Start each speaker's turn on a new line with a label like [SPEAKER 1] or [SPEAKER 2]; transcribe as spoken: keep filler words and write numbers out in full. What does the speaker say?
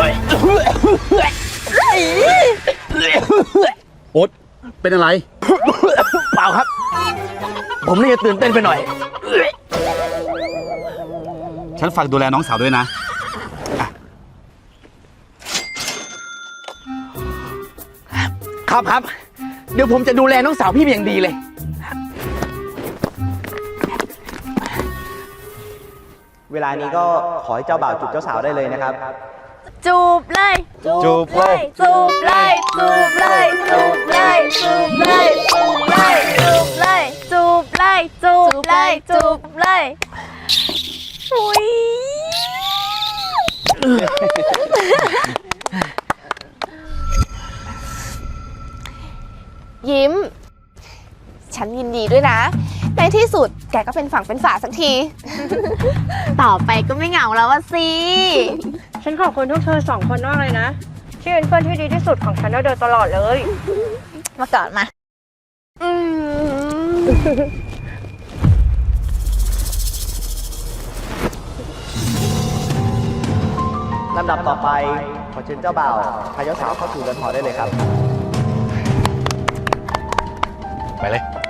[SPEAKER 1] น่อยโอ๊ตเป็นอะไรเปล่าครับผมนี่จะตื่นเต้นไปหน่อยฉันฝากดูแลน้องสาวด้วยนะครับครับเดี๋ยวผมจะดูแลน้องสาวพี่เป็นอย่างดีเลย
[SPEAKER 2] เวลานี้ก็ขอให้เจ้าบ่าวจูบเจ้าสาวได้เลยนะครับ
[SPEAKER 3] จูบเลย
[SPEAKER 2] จูบเลย
[SPEAKER 3] จูบเลยจูบเลยจูบเลยจูบเลยจูบเลยจูบเลยจูบเลยจูบเลยจูบเลยอุ้ยยิ้มฉันยินดีด้วยนะในที่สุดแกก็เป็นฝั่งเป็นฝาสักทีต่อไปก็ไม่เหงาแล้วอะสิ
[SPEAKER 4] ฉันขอบคุณทุกเธอสองคนมากเลยนะที่เป็นเพื่อนที่ดีที่สุดของฉันโดยตลอดเลย
[SPEAKER 3] มาก่อนมาอืม
[SPEAKER 2] ลำดับต่อไปขอเชิญเจ้าบ่าวพาเจ้าสาวเข้าสู่เรือนหอได้เลยครับ
[SPEAKER 1] ไปเลย